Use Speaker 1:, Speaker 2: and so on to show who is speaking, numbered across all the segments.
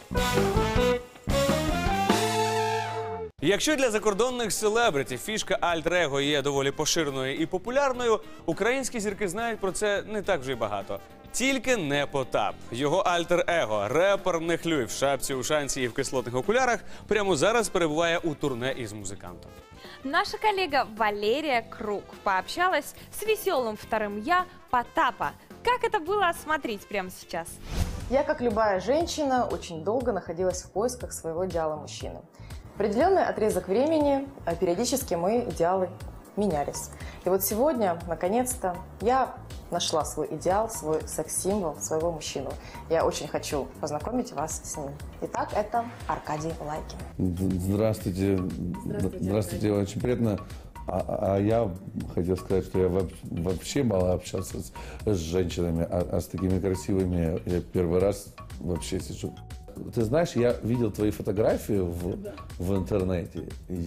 Speaker 1: Якщо для закордонних селебриті фішка альтер-его є доволі поширеною і популярною, українські зірки знають про це не так вже й багато. Тільки не Потап. Його альтер-его, репер Нехлюй в шапці, ушанці і в кислотних окулярах, прямо зараз перебуває у турне із музикантом.
Speaker 2: Наша коллега Валерия Круг пообщалась с веселым вторым «я» Потапа. Как это было, смотреть прямо сейчас.
Speaker 3: Я, как любая женщина, очень долго находилась в поисках своего идеала мужчины. Определенный отрезок времени периодически мои идеалы менялись. И вот сегодня, наконец-то, я нашла свой идеал, свой секс-символ, своего мужчину. Я очень хочу познакомить вас с ним. Итак, это Аркадий Лайкин.
Speaker 4: Здравствуйте. Здравствуйте, очень приятно. А я хотел сказать, что я вообще мало общался с женщинами, а с такими красивыми я первый раз вообще сижу. Ты знаешь, я видел твои фотографии в интернете.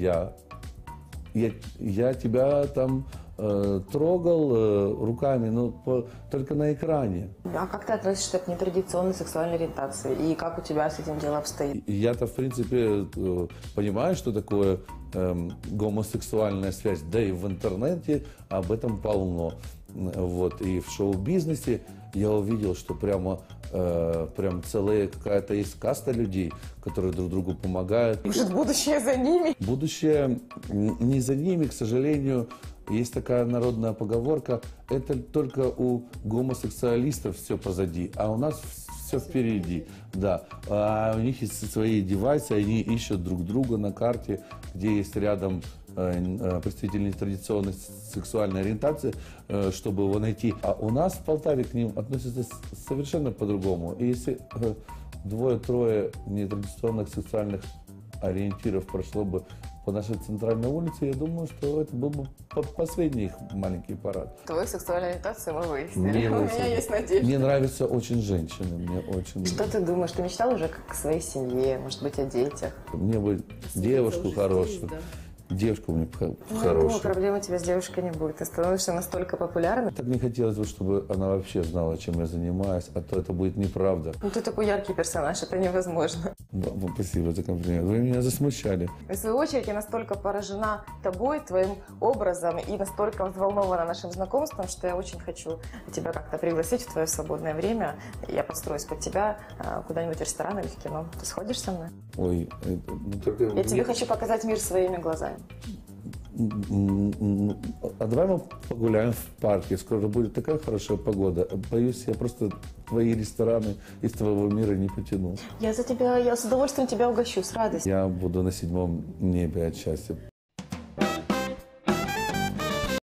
Speaker 4: Я тебя там трогал руками, но только на экране.
Speaker 3: А как ты относишься к нетрадиционной сексуальной ориентации? И как у тебя с этим дело обстоит?
Speaker 4: Я-то, в принципе, понимаю, что такое гомосексуальная связь. Да и в интернете об этом полно. Вот. И в шоу-бизнесе я увидел, что прям целая какая-то есть каста людей, которые друг другу помогают.
Speaker 3: Может, будущее за ними?
Speaker 4: Будущее не за ними, к сожалению. Есть такая народная поговорка: это только у гомосексуалистов все позади, а у нас все впереди. Да. А у них есть свои девайсы, они ищут друг друга на карте, где есть рядом представители традиционной сексуальной ориентации, чтобы его найти. А у нас в Полтаве к ним относятся совершенно по-другому. И если двое-трое нетрадиционных сексуальных ориентиров прошло бы по нашей центральной улице, я думаю, что это был бы последний их маленький парад.
Speaker 3: Твою сексуальную ориентацию мы выяснили. У меня есть надежда.
Speaker 4: Мне нравятся очень женщины. Мне очень...
Speaker 3: Что ты думаешь? Ты мечтал уже о своей семье, может быть, о детях?
Speaker 4: Мне бы девушку хорошую. Девушку мне хорошую.
Speaker 3: Проблем у тебя с девушкой не будет. Ты становишься настолько популярным.
Speaker 4: Так не хотелось бы, чтобы она вообще знала, чем я занимаюсь, а то это будет неправда.
Speaker 3: Ну, ты такой яркий персонаж, это невозможно.
Speaker 4: Спасибо за комплимент. Вы меня засмущали.
Speaker 3: В свою очередь, я настолько поражена тобой, твоим образом и настолько взволнована нашим знакомством, что я очень хочу тебя как-то пригласить в твое свободное время. Я подстроюсь под тебя куда-нибудь в ресторан или в кино. Ты сходишь со мной?
Speaker 4: Ой, только...
Speaker 3: Я тебе хочу показать мир своими глазами.
Speaker 4: А давай мы погуляем в парке. Скоро будет такая хорошая погода. Боюсь, я просто твои рестораны из твоего мира не потяну.
Speaker 3: Я с удовольствием тебя угощу, с радостью.
Speaker 4: Я буду на 7-м небе от счастья.